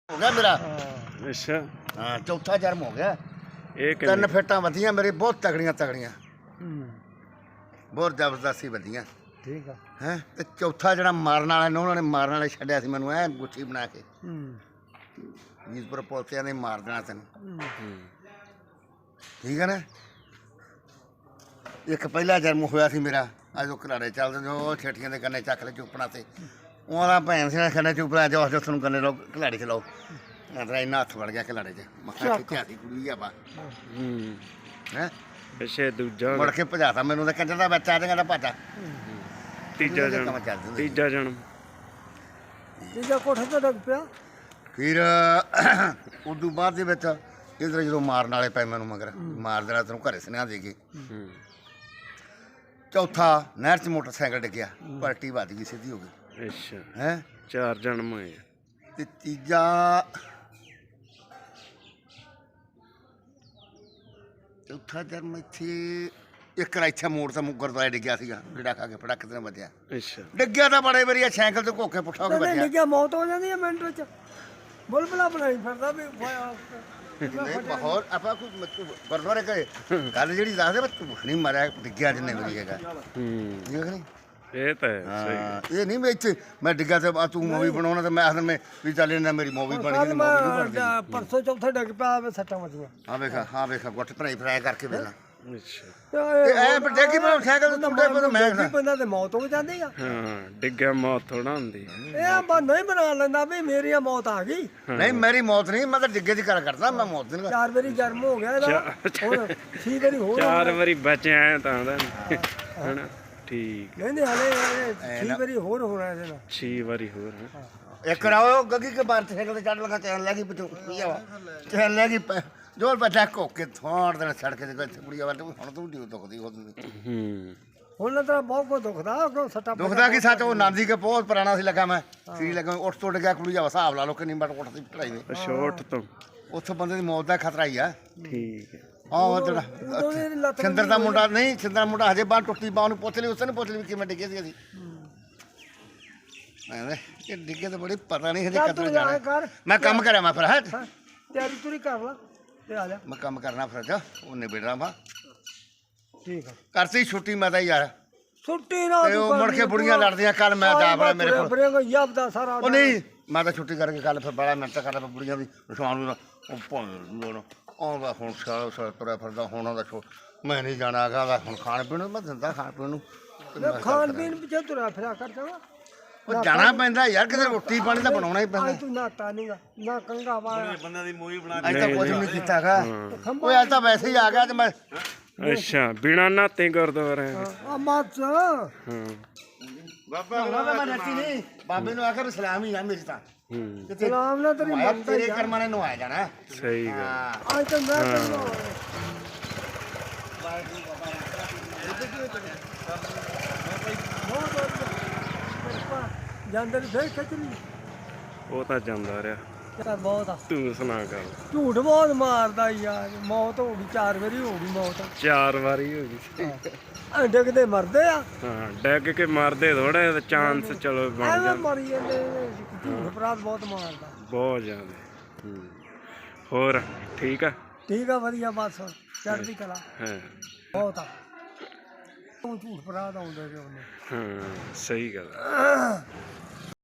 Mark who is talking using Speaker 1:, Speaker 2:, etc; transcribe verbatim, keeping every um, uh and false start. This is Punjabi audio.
Speaker 1: हो गया मेरा।
Speaker 2: अच्छा
Speaker 1: हाँ चौथा जन्म हो गया।
Speaker 2: एक
Speaker 1: तीन फिटा वधिया मेरी बहुत तगड़ियां तगड़ियां बहुत जबरदस्ती वधिया
Speaker 2: ठीक है
Speaker 1: हैं ते चौथा जरा मारन वाला ने उन्होंने मारन वाले छड्डिया सी मैनू ऐ गुच्छी बना के जीतपुर पुलिसिया ने मार देना तेन ठीक है ना। एक पहला जन्म होया सी मेरा अज वो घराड़े चलते जो छेटियां के कन्ने चक ले चुपना से उन्होंने भैन से कन्ने चुपना जो जो तुम कन्ने लो घलाड़ी चलाओ तेरा इन्ना हथ वड़ गया घलाड़े च मक्खा खिच्चिया सी कुड़ी बा हैं
Speaker 2: पिछे दूजा
Speaker 1: मुड़ के भजाता मैनू तो कंजर का बच्चा ते कहता भाजा
Speaker 2: तीजा जन्म तीजा जन्म
Speaker 3: तीजा कोठा तो डग पिया
Speaker 1: फिर उदू बाद दे विच इधर जो मारन वाले पे मैनू मगर मार देना तेन घरे सुनेहा दे के चौथा नहर च मोटरसाइकिल डिग्गिया पलटी वज गई सीधी हो गई
Speaker 2: अच्छा
Speaker 1: हैं
Speaker 2: चार जन्म होए
Speaker 1: ते तीजा चौथा जन्म इत्थे एक इत्थे मोड़ ते गुरुद्वारे डिग्गिया सीगा कीड़ा खा के फड़क ते बचया
Speaker 2: अच्छा
Speaker 1: डिग्गिया तो बड़े बारी साइकिल ते घोके पुट्ठा हो के
Speaker 3: नहीं
Speaker 1: बचया
Speaker 3: डिग्गिया मौत हो जाती है मिनट विच बुलबुला बनाई फिरदा भी
Speaker 1: नहीं बहुत आप गुरुद्वारे गए गल जी दस दे झूठ नहीं मारिया डिग्गिया जिन्ने बारी हैगा ठीक है नहीं
Speaker 2: ये तो है
Speaker 1: हाँ ये नहीं मैं इत्थे मैं डिग्गा ते तू मूवी बनाना तो मैं आखर में भी चल इन्ना मेरी मूवी बन
Speaker 3: कल
Speaker 1: गई
Speaker 3: मैं
Speaker 1: मूवी नहीं बनदी
Speaker 3: परसों चौथे डग पिया सट्टा मचियां
Speaker 1: हाँ वेखा हाँ वेखा गुੱਟ ਭਰਾਈ ਫਰਾਈ ਕਰਕੇ ਵੇਲਾ
Speaker 2: अच्छा
Speaker 1: ਤੇ ਐ ਪਰ ਦੇਖੀ ਮੈਂ ਸਾਈਕਲ ਤੇ ਟੁੱਟੇ ਪਏ ਮੈਂ
Speaker 3: ਡਿੱਗੀ ਪੈਂਦਾ ਤੇ ਮੌਤ ਹੋ ਜਾਂਦੀ ਆ
Speaker 2: हाँ डिग्गा मौत थोड़ा होंदी
Speaker 3: ਇਹ ਬਾ ਨਹੀਂ ਬਣਾ ਲੈਂਦਾ ਵੀ ਮੇਰੀ ਆ ਮੌਤ ਆ ਗਈ
Speaker 1: ਨਹੀਂ ਮੇਰੀ ਮੌਤ ਨਹੀਂ ਮੈਂ ਤਾਂ ਡਿੱਗੇ ਦੀ ਗੱਲ ਕਰਦਾ ਮੈਂ ਮੌਤ ਦੀ ਨਹੀਂ
Speaker 3: ਚਾਰ ਵਾਰੀ ਜਨਮ ਹੋ ਗਿਆ ਇਹਦਾ ਹੁਣ ਛੇ ਵਾਰੀ ਹੋਰ
Speaker 2: चार वारी बचे आए ਤਾਂ ਦਾ ਹਨਾ ਠੀਕ
Speaker 3: ਕਹਿੰਦੇ ਹਲੇ ਛੇ ਵਾਰੀ ਹੋਰ ਹੋਣਾ ਇਹਦੇ ਨਾਲ
Speaker 2: ਛੇ ਵਾਰੀ ਹੋਰ ਹੈ
Speaker 1: ਇੱਕ ਰਾਓ ਗੱਗੀ ਕੇ ਬਾਹਰ ਸਾਈਕਲ ਤੇ ਚੜ ਲਗਾ ਚੈਨ ਲੈ ਗਈ ਪਿੱਛੋਂ ਕੀ ਆ ਚੈਨ ਲੈ ਗਈ ਜੋਰ ਬੱਚਾ ਕੋਕੇ ਥੋੜ ਦੇਣਾ ਸੜਕ ਤੇ ਕੋਈ ਕੁੜੀਆਂ ਵਾਲ ਹੁਣ ਤੂੰ ਡੀ ਦੁਖਦੀ ਹੋ ਤੂੰ
Speaker 2: ਹੂੰ
Speaker 3: ਹੁਣ ਤਾਂ ਬਹੁਤ ਕੋ ਦੁਖਦਾ ਕੋ ਸੱਟਾ
Speaker 1: ਦੁਖਦਾ ਕੀ ਸੱਚ ਉਹ ਨਾਂਦੀ ਕੇ ਬਹੁਤ ਪੁਰਾਣਾ ਸੀ ਲੱਗਾ ਮੈਂ ਸੀ ਲੱਗਾ ਉੱਠ ਟੁੱਟ ਗਿਆ ਕੁੜੀ ਦਾ ਹਿਸਾਬ ਲਾ ਲੋ ਕਿੰਨੀ ਬਟ ਉੱਠਦੀ ਚੜਾਈ ਦੇ
Speaker 2: ਸ਼ੋਰਟ ਤੋਂ
Speaker 1: ਉੱਥੋਂ ਬੰਦੇ ਦੀ ਮੌਤ ਦਾ ਖਤਰਾ ਹੀ ਆ
Speaker 2: ਠੀਕ ਹੈ
Speaker 1: ਆਹ ਜਿਹੜਾ
Speaker 3: ਉਦੋਂ ਦੀ ਲੱਤ
Speaker 1: ਸਿੰਦਰ ਦਾ ਮੁੰਡਾ ਨਹੀਂ ਸਿੰਦਰ ਦਾ ਮੁੰਡਾ ਹਜੇ ਬਾਹਰ ਟੁੱਟੀ ਬਾਹ ਨੂੰ ਪੁੱਛ ਲਈ ਉਸਨੇ ਪੁੱਛ ਲਈ ਕਿਵੇਂ ਡਿੱਗੇ ਸੀ ਅਸੀਂ ਮੈਂ ਇਹ ਡਿੱਗੇ ਤਾਂ ਬੜੀ ਪਤਾ ਨਹੀਂ ਹਜੇ ਕਦੋਂ ਜਾਣਾ ਮੈਂ ਕੰਮ ਕਰਾਂ ਮੈਂ ਫਿਰ ਹਾਂ
Speaker 3: ਤਿਆਰੀ ਤੁਰੀ ਕਰ ਲਾ ਤੇ ਆ ਜਾ
Speaker 1: ਮੈਂ ਕੰਮ ਕਰਨਾ ਫਿਰ ਜਾ ਉਹ ਨਿਬੜਨਾ ਵਾ
Speaker 3: ਠੀਕ ਆ
Speaker 1: ਕਰਤੀ ਛੁੱਟੀ ਮੈਂ ਤਾਂ ਯਾਰ
Speaker 3: ਛੁੱਟੀ ਨਾ
Speaker 1: ਤੇ ਉਹ ਮੁੜ ਕੇ ਬੁੜੀਆਂ ਲੜਦੀਆਂ ਕੱਲ ਮੈਂ ਜਾ ਬੜਾ ਮੇਰੇ ਕੋਲ
Speaker 3: ਬਰੇ ਕੋ ਯਬਦਾ ਸਾਰਾ
Speaker 1: ਉਹ ਨਹੀਂ ਮੈਂ ਤਾਂ ਛੁੱਟੀ ਕਰਕੇ ਕੱਲ ਫਿਰ ਬੜਾ ਮਿੰਟ ਕਰਦਾ ਫਿਰ ਬੁੜੀਆਂ ਵੀ ਸ਼ਾਮ ਨੂੰ ਉਹ ਭਾਵੇਂ ਆਉਂਦਾ ਹੁਣ ਸਾਰਾ ਸਾਰਾ ਤੁਰਿਆ ਫਿਰਦਾ ਹੁਣ ਉਹਦਾ ਛੋ ਮੈਂ ਨਹੀਂ ਜਾਣਾ ਗਾ ਹੁਣ ਖਾਣ ਪੀਣ ਨੂੰ ਮੈਂ ਦਿੰਦਾ ਖਾਣ ਪੀਣ ਨੂੰ
Speaker 3: ਖਾਣ ਪੀਣ ਪਿੱਛੇ ਤੁਰਿਆ ਫਿਰਿਆ ਕਰ ਜਾਵਾ
Speaker 1: ਉਹ ਜਾਣਾ ਪੈਂਦਾ ਯਾਰ ਕਿਤੇ ਰੋਟੀ ਪਾਣੀ ਤਾਂ ਬਣਾਉਣਾ ਹੀ ਪੈਂਦਾ
Speaker 3: ਅੱਜ ਤੂੰ ਨਾਤਾ ਨਹੀਂਗਾ ਨਾ ਕੰਗਾ ਵਾਲਾ
Speaker 1: ਬੰਦਾ ਦੀ ਮੂਵੀ ਬਣਾ ਅੱਜ ਤਾਂ ਕੁਝ ਨਹੀਂ ਕੀਤਾਗਾ ਓਏ ਅੱਜ ਤਾਂ ਵੈਸੇ ਹੀ ਆ ਗਿਆ ਤੇ ਮੈਂ
Speaker 2: ਅੱਛਾ ਬਿਨਾ ਨਾਤੇ ਗੁਰਦੁਆਰੇ
Speaker 3: ਆ ਮਾਤ
Speaker 2: ਹਾਂ
Speaker 1: ਬਾਬਾ ਉਹਨਾਂ ਦਾ ਮੈਂ ਨੱਤੀ ਨਹੀਂ ਬਾਬੇ ਨੂੰ ਆਖਰ ਸਲਾਮ ਹੀ ਆ ਮੇਰੀ ਤਾਂ
Speaker 2: ਹੂੰ
Speaker 3: ਸਲਾਮ ਨਾਲ ਤੇਰੀ
Speaker 1: ਆਇਆ ਤੇਰੇ ਕਰਮਾਂ ਨੇ ਨਵਾਇਆ ਜਾਣਾ
Speaker 2: ਸਹੀ ਗੱਲ
Speaker 1: ਹਾਂ
Speaker 3: ਅੱਜ ਤਾਂ ਮੈਂ ਤੈਨੂੰ ਜਾਂਦੇ ਨੇ ਫੇਰ ਖਿੱਚਣੀ
Speaker 2: ਉਹ ਤਾਂ ਜਾਂਦਾ ਰਿਹਾ
Speaker 3: ਤਾਂ ਬਹੁਤ ਆ
Speaker 2: ਤੂੰ ਸੁਣਾ ਕਰ
Speaker 3: ਝੂਠ ਬਹੁਤ ਮਾਰਦਾ ਯਾਰ ਮੌਤ ਹੋ ਗਈ ਚਾਰ ਵਾਰੀ ਹੋ ਗਈ ਮੌਤ
Speaker 2: ਚਾਰ ਵਾਰੀ ਹੋ ਗਈ
Speaker 3: ਐ ਡਿੱਗਦੇ ਮਰਦੇ ਆ
Speaker 2: ਹਾਂ ਡੈਗ ਕੇ ਮਾਰਦੇ ਥੋੜਾ ਚਾਂਸ ਚਲੋ ਬਣ
Speaker 3: ਐਵੇਂ
Speaker 2: ਜਾਂਦਾ
Speaker 3: ਮਰੀ ਜਾਂਦੇ ਨੇ, ਝੂਠ ਅਪਰਾਧ ਬਹੁਤ ਮਾਰਦਾ
Speaker 2: ਬਹੁਤ ਜ਼ਿਆਦਾ ਹੂੰ ਹੋਰ ਠੀਕ ਆ
Speaker 3: ਠੀਕ ਆ ਵਧੀਆ ਬਸ ਚੜ੍ਹਦੀ ਕਲਾ
Speaker 2: ਹਾਂ
Speaker 3: ਬਹੁਤ ਆ ਤੂੰ ਝੂਠ ਅਪਰਾਧ ਆਉਂਦੇ ਨੇ ਉਹਨੇ
Speaker 2: ਹਾਂ ਸਹੀ ਗੱਲ ਆ।